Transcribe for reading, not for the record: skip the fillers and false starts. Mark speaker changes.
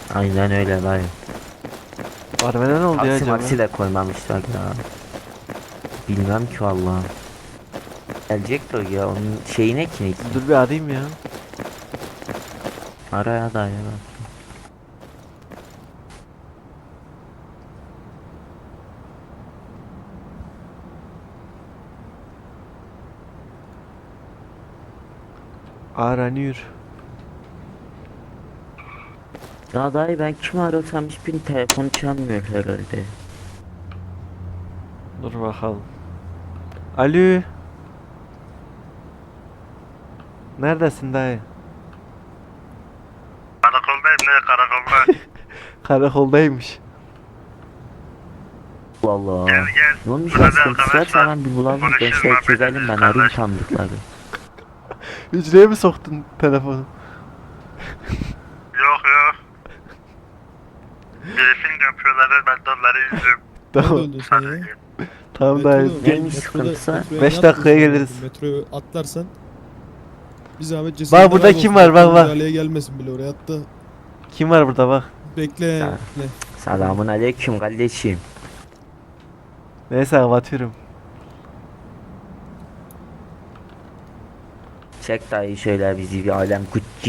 Speaker 1: Aynen öyle dayı.
Speaker 2: Arabada ne oldu ya
Speaker 1: Taksi
Speaker 2: acaba?
Speaker 1: maksi de koymamışlar ya. Bilmem ki vallahi. Gelecekti o ya, onun şeyine ki.
Speaker 2: Dur bir arayayım ya.
Speaker 1: Araya dayı bak.
Speaker 2: Aranıyor.
Speaker 1: Ya dayı ben kimi arasam hiçbir telefonu çalmıyor herhalde.
Speaker 2: Dur bakalım. Alo. Neredesin dayı?
Speaker 3: Karakoldayım ne karakolda.
Speaker 2: Karakoldaymış.
Speaker 1: Allah Allah.
Speaker 3: Gel gel.
Speaker 1: Ne olmuş ya,
Speaker 3: Hadi
Speaker 1: sıkıntısı varsa
Speaker 3: arkadaşlar.
Speaker 1: hemen bir bulalım,
Speaker 3: Konuşuruz,
Speaker 1: gençler
Speaker 3: muhabbet
Speaker 1: çözelim,
Speaker 3: ederiz
Speaker 1: ben arayayım
Speaker 3: kardeş.
Speaker 1: tanıdıkları.
Speaker 2: Hücreye mi soktun telefonu?
Speaker 3: Yok yok. Briefing yapıyorlar ben de onları izliyorum.
Speaker 4: Nerede
Speaker 2: Tamam.
Speaker 4: öldün sen ya?
Speaker 2: Tamam dayı.
Speaker 4: Metroda-
Speaker 1: Neymiş
Speaker 4: metroda-
Speaker 1: sıkıntısı?
Speaker 4: metroya
Speaker 2: 5
Speaker 4: yatmışsın
Speaker 2: dakikaya
Speaker 4: zaten.
Speaker 2: geliriz.
Speaker 4: Metroyu atlarsan bir zahmet cesedine
Speaker 2: Bak burada
Speaker 4: bak
Speaker 2: kim
Speaker 4: olsun.
Speaker 2: var, bak,
Speaker 4: Doktor
Speaker 2: bak.
Speaker 4: müdahaleye gelmesin bile oraya hatta
Speaker 2: Kim var burada bak.
Speaker 4: bekle.
Speaker 1: Ya.
Speaker 4: Ne?
Speaker 1: Selamun aleyküm kardeşim.
Speaker 2: Neyse kapatıyorum.
Speaker 1: Çek dayı şöyle bizi bir alem